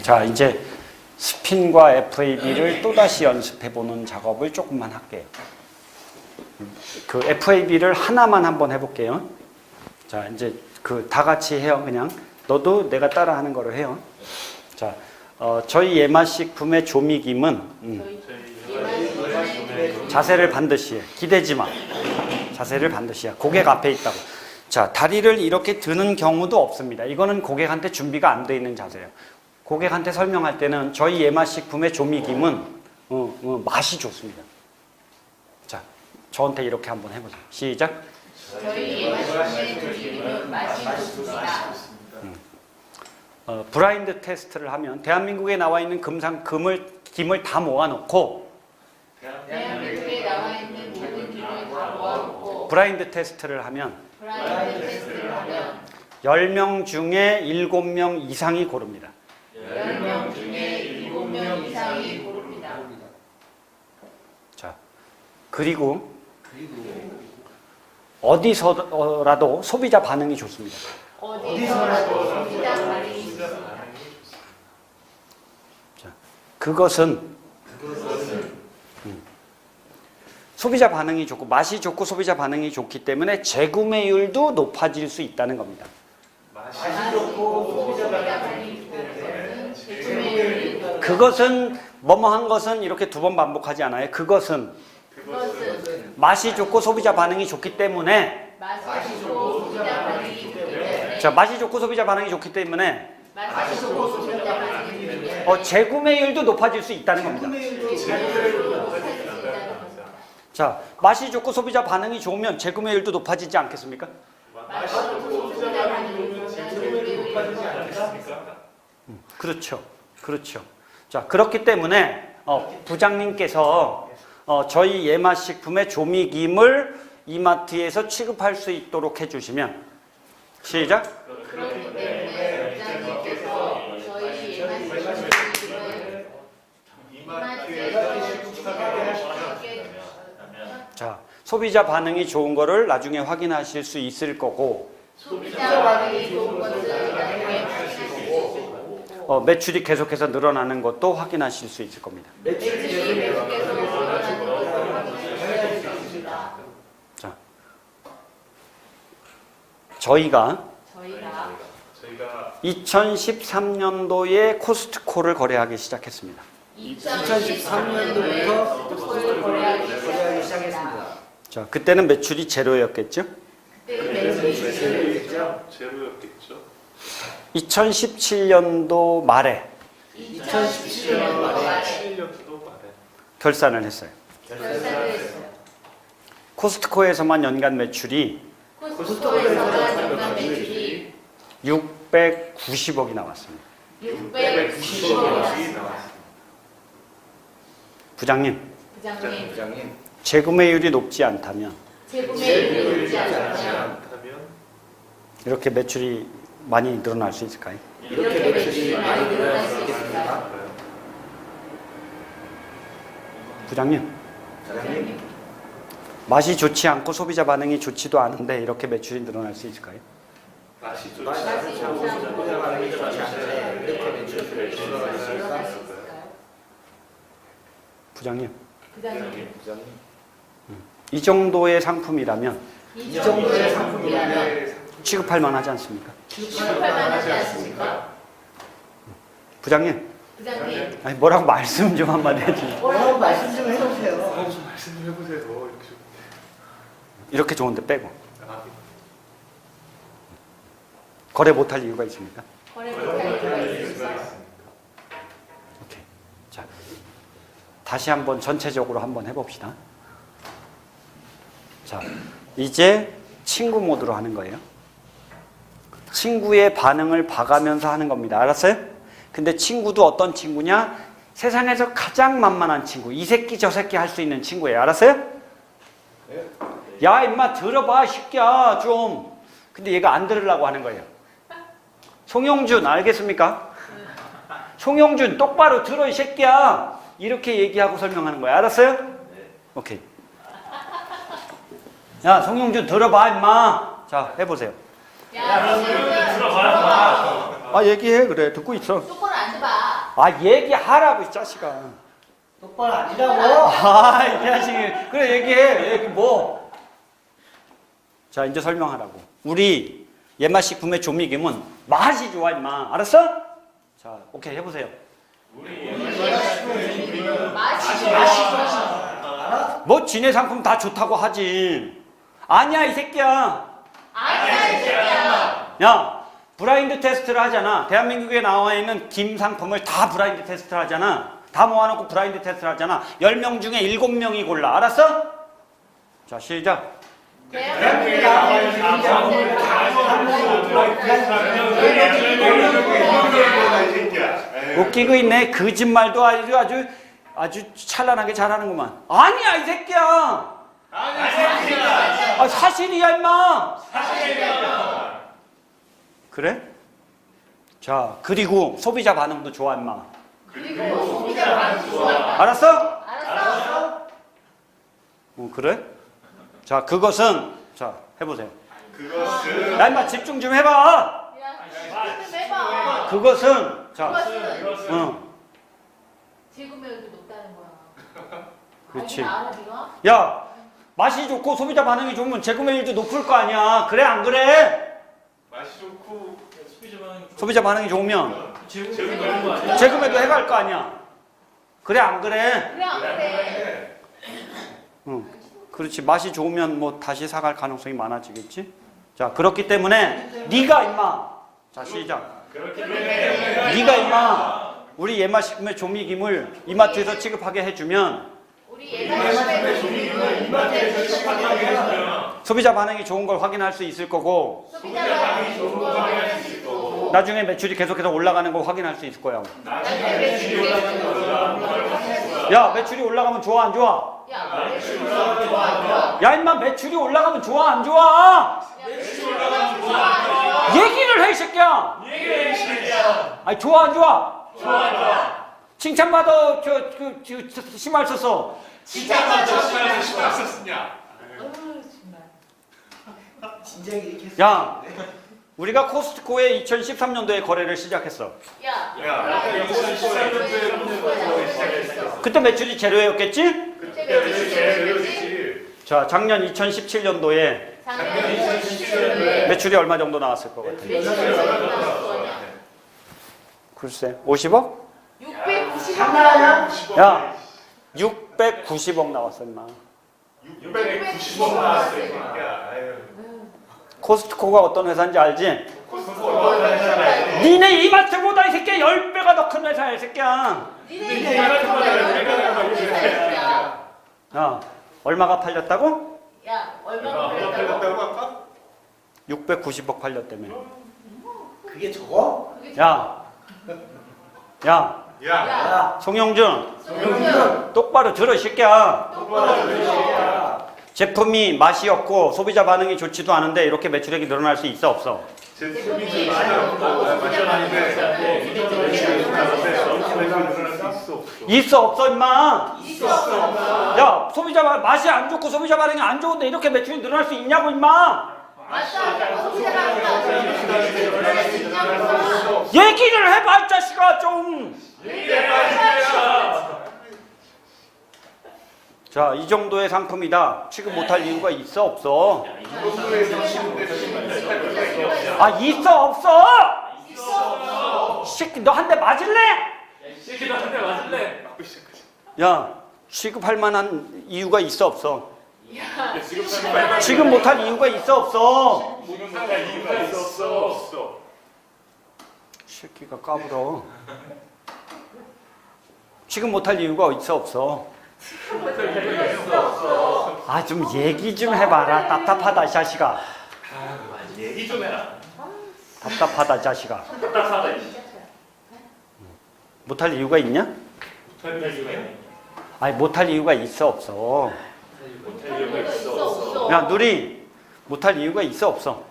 자, 이제 스핀과 FAB를 또다시 연습해보는 작업을 조금만 할게요. 그 FAB를 하나만 한번 해볼게요. 자, 이제 그 다 같이 해요. 그냥 너도 내가 따라하는 거로 해요. 자, 저희 예마식품의 조미김은 자세를 반드시 해. 기대지 마. 자세를 반드시 해. 고객 앞에 있다고. 자, 다리를 이렇게 드는 경우도 없습니다. 이거는 고객한테 준비가 안 돼 있는 자세예요. 고객한테 설명할 때는 저희 예마식품의 조미김은 맛이 좋습니다. 자, 저한테 이렇게 한번 해보세요. 시작. 저희 예마식품의 조미김은 맛이 좋습니다. 브라인드 테스트를 하면 대한민국에 나와 있는 김을 다 모아놓고 대한민국에 나와 있는 모든 김을 다 모아놓고 브라인드 테스트를 하면 브라인드 테스트를 하면 10명 중에 7명 이상이 고릅니다. 10명 중에 7명 이상이 고릅니다. 자, 그리고 어디서라도 소비자 반응이 좋습니다. 어디서라도 소비자 반응이 좋습니다. 자, 그것은 소비자 반응이 좋고 맛이 좋고 소비자 반응이 좋기 때문에 재구매율도 높아질 수 있다는 겁니다. 맛이 좋고 소비자 반응이 좋기 때문에 재구매율이 높아집니다. 그것은 뭐뭐한 것은 이렇게 두 번 반복하지 않아요. 그것은 맛이 좋고 소비자 반응이 좋기 때문에 맛이 좋고 소비자 반응이 좋기 때문에 자, 맛이 좋고 소비자 반응이 좋기 때문에 맛이 좋고 소비자 반응이 좋기 때문에 재구매율도 높아질 수 있다는 겁니다. 자, 맛이 좋고 소비자 반응이 좋으면 재구매율도 높아지지 않겠습니까? 맛이 좋고 소비자 반응이 좋으면 재구매율이 높아지지 않겠습니까? 그렇죠. 그렇죠. 자, 그렇기 때문에 부장님께서 저희 예마식품의 조미김을 이마트에서 취급할 수 있도록 해주시면 시작. 그렇기 때문에 부장님께서 저희 예마식품을 이마트에서 취급하게 하시게 자, 소비자 반응이 좋은 거를 나중에 확인하실 수 있을 거고 소비자 반응이 좋은 것을 나중에 확인하실 수 있고 매출이 계속해서 늘어나는 것도 확인하실 수 있을 겁니다. 매출이 계속해서 늘어나는 것을 확인하실 수 있습니다. 자, 저희가 2013년도에 코스트코를 거래하기 시작했습니다. 2013년도부터 코스트코를 거래하기 시작했습니다. 자, 그때는 매출이 제로였겠죠? 그때 매출이 제로였겠죠? 제로였겠죠. 2017년도 말에 2017년 말에 7년도 말에 결산을 했어요. 결산을 했어요. 코스트코에서만 연간 매출이 코스트코에서만 연간 매출이 690억이 나왔습니다. 690억이 나왔습니다. 부장님, 부장님, 재구매율이 높지 않다면 재구매율이 높지 않다면 하면 이렇게 매출이 많이 늘어날 수 있을까요? 이렇게 매출이 많이 늘어날 수 있을까요? 부장님, 맛이 좋지 않고 소비자 반응이 좋지도 않은데 이렇게 매출이 늘어날 수 있을까요? 맛이 좋지 맛이 좋지 않고 소비자 반응이 좋지 않은데 이렇게 매출이 늘어날 수 있을까요? 부장님, 부장님, 이 정도의 상품이라면 이 정도의 상품이라면 취급할 만하지 않습니까? 취급할 만하지 않습니까? 부장님, 부장님, 아니 뭐라고 말씀 좀 한마디 해주세요. 뭐라고 말씀 좀 해주세요. 말씀 좀 해보세요. 이렇게 좋은데 빼고 아, 거래 못할 이유가 있습니까? 거래 못할 이유가 있습니까? 오케이. 자, 다시 한번 전체적으로 한번 해봅시다. 자, 이제 친구 모드로 하는 거예요. 친구의 반응을 봐가면서 하는 겁니다. 알았어요? 근데 친구도 어떤 친구냐? 세상에서 가장 만만한 친구. 이 새끼 저 새끼 할 수 있는 친구예요. 알았어요? 야, 임마 들어봐, 새끼야 좀. 근데 얘가 안 들으려고 하는 거예요. 송영준 알겠습니까? 송영준 똑바로 들어 이 새끼야. 이렇게 얘기하고 설명하는 거예요. 알았어요? 오케이. 야, 송영준 들어봐 임마. 자, 해보세요. 야, 너는 들어봐. 아, 얘기해. 그래, 듣고 있어. 똑바로 앉아봐. 아, 얘기하라고, 이 자식아. 똑바로 앉으라고. 아, 이 자식이. 그래, 얘기해. 얘기 뭐. 자, 이제 설명하라고. 우리 예마식 구매 조미김은 맛이 좋아, 임마. 알았어? 자, 오케이, 해보세요. 맛이 뭐, 지네 상품 다 좋다고 하지. 아니야, 이 새끼야. 아니야 이 새끼야. 야, 브라인드 테스트를 하잖아. 대한민국에 나와 있는 김 상품을 다 브라인드 테스트를 하잖아. 다 모아놓고 브라인드 테스트를 하잖아. 10명 중에 7명이 골라. 알았어? 자, 시작. 대한민국에 나와 있는 상품을 웃기고 있네. 거짓말도 아주 찬란하게 잘하는구만. 아니야, 이 새끼야. 아, 사실이야, 임마. 그래? 자, 그리고 소비자 반응도 좋아, 임마. 그리고 소비자 반응 좋아. 알았어? 알았어. 그래? 자, 그것은, 자, 해보세요. 그것은 야, 임마, 집중 좀 해봐. 야, 좀 해봐. 그것은, 자, 그것은 지구멸도 높다는 거야. 그렇지. 알아 네가? 야, 맛이 좋고 소비자 반응이 좋으면 재구매율도 높을 거 아니야. 그래, 안 그래? 맛이 좋고 소비자 반응이 좋으면 재밌는 재구매도 해갈 거 아니야. 그래, 안 그래? 그래 안 그래? 응. 그렇지. 맛이 좋으면 뭐 다시 사갈 가능성이 많아지겠지? 자, 그렇기 때문에 네가 임마. 자, 시작. 네가 임마 우리 예마식품의 조미김을 이마트에서 취급하게 해주면 우리 예산심의 조미금을 이마트에서 취급하게 해주면 소비자 반응이 좋은 걸 확인할 수 있을 거고 소비자 반응이 좋은 걸 확인할 수 있을 거고 나중에 매출이 계속해서 올라가는 걸 확인할 수 있을 거야. 나중에 매출이 계속해서 올라가는 걸 확인할 수 있을 거고 야, 매출이 올라가면 좋아, 안 좋아? 야, 매출이 올라가면 좋아 안 좋아? 야, 임마, 매출이 올라가면 좋아, 안 좋아? 매출이 올라가면 좋아 안 좋아? 얘기를 해, 이 새끼야. 아니, 좋아, 안 좋아? 칭찬받아, 심할 썼어. 칭찬받아 맛있었냐? 진작에 이렇게 야, 우리가 코스트코에 2013년도에 거래를 시작했어. 야, 야, 2013년도에 시작했어. 그때 매출이 제로였겠지? 그때 매출이 제로였지? 그렇지. 자, 작년 2017년도에 작년 2017년도에 매출이 얼마 정도 나왔을 것 같아? 매출이 얼마 나왔어? 글쎄, 50억? 690만 원? 야, 690억 나왔어, 임마. 690원 나왔어요. 야, 아유. 코스트코가 어떤 회사인지 알지? 코스트코 얼마나 했잖아요. 니네 이마트보다 이 새끼야 10배가 더 큰 회사야, 이 새끼야. 니네 이마트보다 10배가 더 크다. 야, 얼마가 팔렸다고? 야, 얼마나 얼마 팔렸다고? 팔렸다고 아까? 690억 팔렸다며. 그게 저거? 야, 야, 야, 야, 송영준, 송영준, 똑바로 들어, 이 새끼야. 똑바로 들으시오. 제품이 맛이 없고 소비자 반응이 좋지도 않은데 이렇게 매출액이 늘어날 수 있어, 없어? 제품이 좀 많이 없고 맛있었는데 매출이 늘어날 수 있어. 있어, 없어, 임마. 있었어. 야, 맛이 안 좋고 소비자 반응이 안 좋은데 이렇게 매출이 늘어날 수 있냐고, 임마. 맞다. 소비자가 늘어날 수 있냐고. 얘기를 해봐, 이 자식아, 좀. 자, 이 정도의 상품이다. 취급 못할 이유가 있어, 없어? 아, 있어, 없어? 이 새끼, 너 한 대 맞을래? 야, 취급할 만한 이유가 있어, 없어? 취급 못할 이유가 있어, 없어? 이유가 있었어. 이 새끼가 까불어. 취급 못할 이유가 있어, 없어? 아, 좀 얘기 좀 해봐라. 답답하다, 이 자식아. 얘기 좀 해라. 답답하다, 이 자식아. 못할 이유가 있냐? 아니, 못할 이유가 있어, 없어? 야, 누리, 못할 이유가 있어, 없어?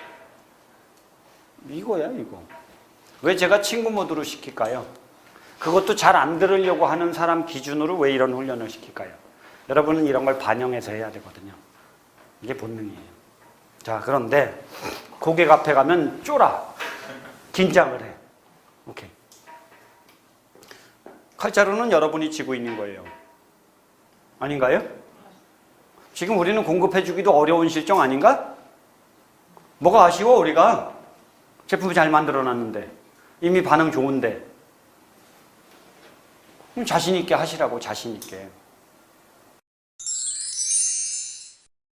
이거야, 이거. 왜 제가 친구 모드로 시킬까요? 그것도 잘 안 들으려고 하는 사람 기준으로 왜 이런 훈련을 시킬까요? 여러분은 이런 걸 반영해서 해야 되거든요. 이게 본능이에요. 자, 그런데 고객 앞에 가면 쫄아. 긴장을 해. 오케이. 칼자루는 여러분이 쥐고 있는 거예요. 아닌가요? 지금 우리는 공급해주기도 어려운 실정 아닌가? 뭐가 아쉬워 우리가? 제품을 잘 만들어놨는데 이미 반응 좋은데 자신 있게 하시라고, 자신 있게.